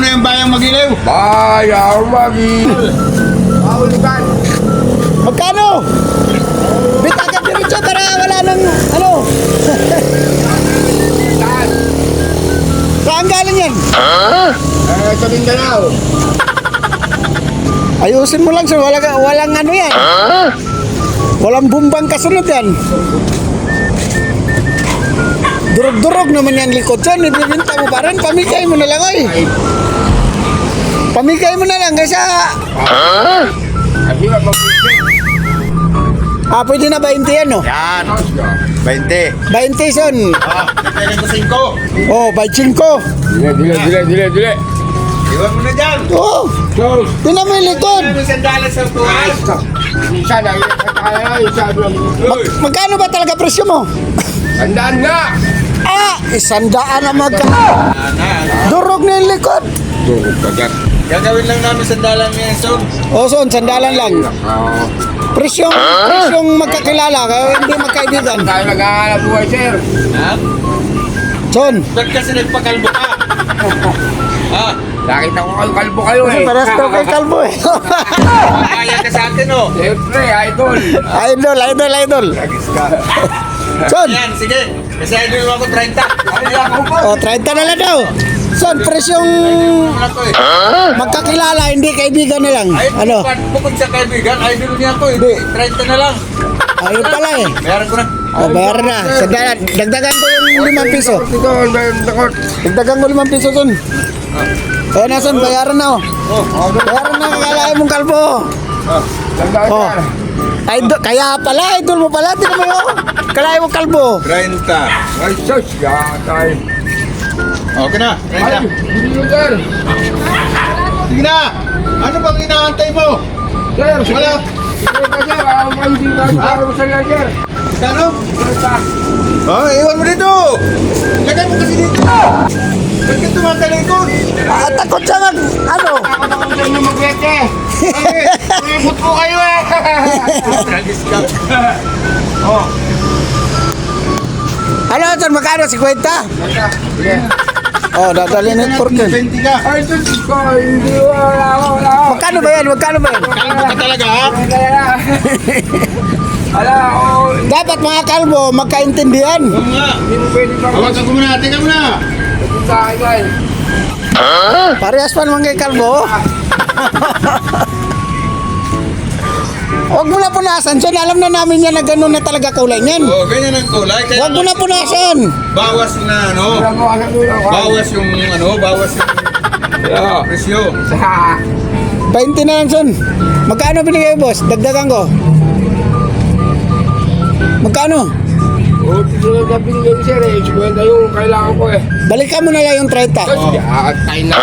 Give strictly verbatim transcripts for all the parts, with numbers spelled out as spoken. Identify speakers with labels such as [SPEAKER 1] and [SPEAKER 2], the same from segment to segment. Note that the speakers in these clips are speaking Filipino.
[SPEAKER 1] muna yung bayang Magilaw.
[SPEAKER 2] Bayang Magilaw. Mahulugan.
[SPEAKER 3] Magkano? Bitagan diretso para wala nang ano. Saan galing yan?
[SPEAKER 2] Eh, sa Mindanao.
[SPEAKER 3] Ayusin mo lang sir, walang, walang ano yan. Walang bumbang kasunod yan. Durog-durog naman yan likod yan. Ibibinta mo pa rin. Pamigay mo na lang oy. Pamigay mo na lang kasi
[SPEAKER 2] Hindi ba mag-isip?
[SPEAKER 3] ah, pwede na twenty yan no?
[SPEAKER 1] Yan. twenty.
[SPEAKER 3] twenty son.
[SPEAKER 1] Ah, nagkaling ko cinco.
[SPEAKER 3] Oh, by cinco.
[SPEAKER 2] Dile, dile, dile, dile, dile.
[SPEAKER 1] Iwan mo na dyan.
[SPEAKER 3] Oh,
[SPEAKER 2] Close.
[SPEAKER 3] tinan mo yung likod.
[SPEAKER 1] Ano sandalan sa tuwal?
[SPEAKER 2] Isa na, isa na,
[SPEAKER 1] Uy.
[SPEAKER 3] Magkano ba talaga presyo mo?
[SPEAKER 2] Tandaan nga.
[SPEAKER 3] Ah, isandaan na magka.
[SPEAKER 1] Ana.
[SPEAKER 3] Durog na yung likod.
[SPEAKER 2] Durog ka dyan.
[SPEAKER 1] Gagawin lang namin sandalan ngayon, son.
[SPEAKER 3] Oh, son, sandalan lang.
[SPEAKER 2] Ah,
[SPEAKER 3] Presyong, presyong magkakilala, kaya hindi magkaibigan.
[SPEAKER 2] tayo nag-aalap buhay, sir.
[SPEAKER 1] Ha?
[SPEAKER 3] Son,
[SPEAKER 1] Ba't kasi nagpakalbo ka? Ha?
[SPEAKER 2] Nakita ko kayo, kalbo kayo eh.
[SPEAKER 3] paras daw kay Kalbo eh.
[SPEAKER 1] Kaya ka sa atin, oh.
[SPEAKER 2] Siyempre, idol.
[SPEAKER 3] Idol, idol, idol.
[SPEAKER 1] Lagis ka.
[SPEAKER 3] Son,
[SPEAKER 1] Yan, sige. Kasi idol ako thirty.
[SPEAKER 2] Ay, ako pa.
[SPEAKER 3] oh, thirty na lang daw. Son, presyong
[SPEAKER 1] Ano to eh?
[SPEAKER 3] magkakilala, hindi kaibigan na lang.
[SPEAKER 1] Ay,
[SPEAKER 3] Ano?
[SPEAKER 1] bukod, bukod sa kaibigan, idol niya to eh. thirty na lang.
[SPEAKER 3] Ayun pala eh.
[SPEAKER 1] Meron ko na.
[SPEAKER 3] Oh, bayaran na. Sandalan, dagdagan ko yung limang piso.
[SPEAKER 2] Ito, nakot.
[SPEAKER 3] Dagdagan ko limang piso, son. Ayun na, son, bayaran na oh.
[SPEAKER 1] Oh,
[SPEAKER 3] Bayaran na, kakalain mong Kalbo.
[SPEAKER 2] Tandaan
[SPEAKER 3] Oh.
[SPEAKER 2] nga.
[SPEAKER 3] Idol, kaya pala, idol mo pala. Tingnan mo yun. Kalain mong Kalbo.
[SPEAKER 1] thirty.
[SPEAKER 2] Ay, sus, yatay.
[SPEAKER 1] Okay na,
[SPEAKER 2] Ay,
[SPEAKER 1] thirty.
[SPEAKER 2] hindi yun, sir.
[SPEAKER 1] Sige na! Ano bang inaantay mo?
[SPEAKER 2] Sir,
[SPEAKER 1] Wala.
[SPEAKER 2] sir, ka, sir. Ako kayo hindi ka para mo sa lang, sir.
[SPEAKER 1] Kano?
[SPEAKER 2] Basta.
[SPEAKER 1] Oh, iwan mo dito! Lagay mo kasi dito! Ba't ka tumatalikod?
[SPEAKER 3] Ah, takot siya mag, ano?
[SPEAKER 2] Ako na kung saan nyo mag-wete.
[SPEAKER 1] Bakit?
[SPEAKER 2] Ulipot po kayo eh.
[SPEAKER 1] Lagis ka. Oh,
[SPEAKER 3] Ano, son, magkano? fifty?
[SPEAKER 2] Sige.
[SPEAKER 3] Oh, dadalhin yung porkin.
[SPEAKER 1] twenty ka.
[SPEAKER 2] Ay, sus ko. Hindi, wala ako, wala ako.
[SPEAKER 3] Magkano ba yan? Magkano ba yan?
[SPEAKER 1] Kalbo ka talaga, ha?
[SPEAKER 2] Kaya, wala ako.
[SPEAKER 3] Dapat mga kalbo, magkaintindihan.
[SPEAKER 1] Oo nga.
[SPEAKER 2] Hindi mo pwede pa.
[SPEAKER 1] Hawakan ko muna, tingnan mo na.
[SPEAKER 2] Ito sa akin, guys.
[SPEAKER 3] Parehas pa naman kay kalbo. Huwag mo na punasan, son. Alam na namin yan na gano'n na talaga kulay niyan.
[SPEAKER 1] Oh, ganyan ang kulay. Kaya
[SPEAKER 3] Huwag mo na punasan.
[SPEAKER 1] bawas na ano.
[SPEAKER 2] Wala ko, alam mo lang.
[SPEAKER 1] Bawas yung ano, bawas yung presyo.
[SPEAKER 2] Sa...
[SPEAKER 3] twenty na lang, son. Magkano binigay mo, boss? Dagdagan ko. Magkano?
[SPEAKER 2] O, tisunod na binigay ko, sir eh. Kwenta yung kailangan ko eh.
[SPEAKER 3] Balikan mo na lang yung thirty.
[SPEAKER 2] Sus, yatay na.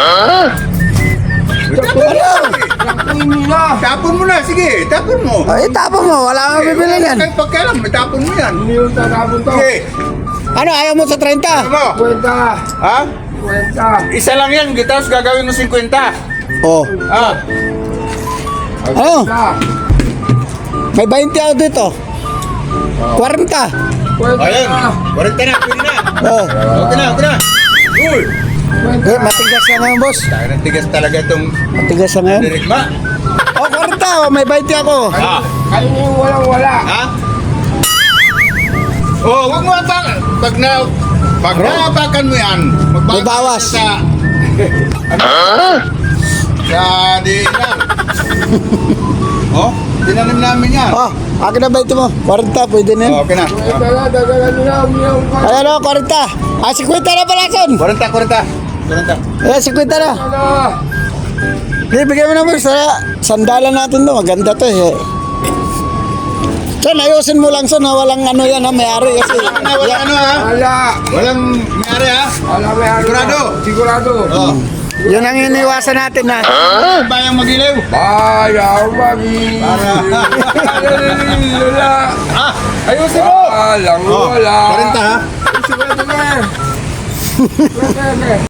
[SPEAKER 3] Ano?
[SPEAKER 2] Tapuin nyo na.
[SPEAKER 1] Tapon mo na, sige, tapon mo.
[SPEAKER 3] Ay, tapon mo. Wala kang bibili niyan.
[SPEAKER 1] Kahit pagkailan, may tapon mo yan.
[SPEAKER 2] Hindi yung tatapon to.
[SPEAKER 1] Sige,
[SPEAKER 3] Ano, ayaw mo sa thirty?
[SPEAKER 1] ano mo?
[SPEAKER 2] Kwenta.
[SPEAKER 1] Ha?
[SPEAKER 2] Kwenta.
[SPEAKER 1] Isa lang yan, tapos gagawin mo fifty.
[SPEAKER 3] Oh.
[SPEAKER 1] Ah,
[SPEAKER 3] Ano?
[SPEAKER 2] Kwenta.
[SPEAKER 3] May twenty ako dito. forty.
[SPEAKER 2] Kwenta.
[SPEAKER 1] ayun. forty na, pwede na.
[SPEAKER 3] Oh.
[SPEAKER 1] Okay na, okay na. Uy!
[SPEAKER 3] Eh, matigas na ngayon, boss.
[SPEAKER 1] Tayo ng tigas talaga itong
[SPEAKER 3] Matigas na ngayon.
[SPEAKER 1] dirigma.
[SPEAKER 3] Oh, forty. Oh, may twenty ako.
[SPEAKER 1] Ah,
[SPEAKER 2] Kayo na yung walang-wala.
[SPEAKER 1] ha? Oh, wag mo apang. Pag na, pag naapakan mo yan, magbawas
[SPEAKER 3] May bawas.
[SPEAKER 1] ka sa, ano? Sa diinan. Oh, tinanim namin yan.
[SPEAKER 3] Oh, akin na twenty mo. forty, pwede na yan.
[SPEAKER 1] Oh, okay na.
[SPEAKER 2] Kwenta na, dagalan nyo na. Umiyaw ka.
[SPEAKER 3] Ayan o, forty. Ah, fifty na pala, son.
[SPEAKER 1] forty, forty. forty.
[SPEAKER 3] Ayan, fifty na.
[SPEAKER 2] Ano?
[SPEAKER 3] Hindi, bigyan mo na mo sa sandalan natin to. Maganda to eh. Son, ayusin mo lang, son. Ha? Walang ano yan, ha? May-ari kasi.
[SPEAKER 1] Wala, wala ano ha?
[SPEAKER 2] Wala.
[SPEAKER 1] Walang mayari ha?
[SPEAKER 2] Wala, may ano.
[SPEAKER 1] Sigurado?
[SPEAKER 2] Sigurado.
[SPEAKER 1] Oh.
[SPEAKER 3] Yun ang iniwasan natin na.
[SPEAKER 1] Bayang Magilaw.
[SPEAKER 2] Bayang Magilaw. Wala.
[SPEAKER 1] Ah, ayusin mo.
[SPEAKER 2] Walang
[SPEAKER 1] Oh,
[SPEAKER 2] wala.
[SPEAKER 1] forty ha?
[SPEAKER 2] Sigurado na. Sigurado na.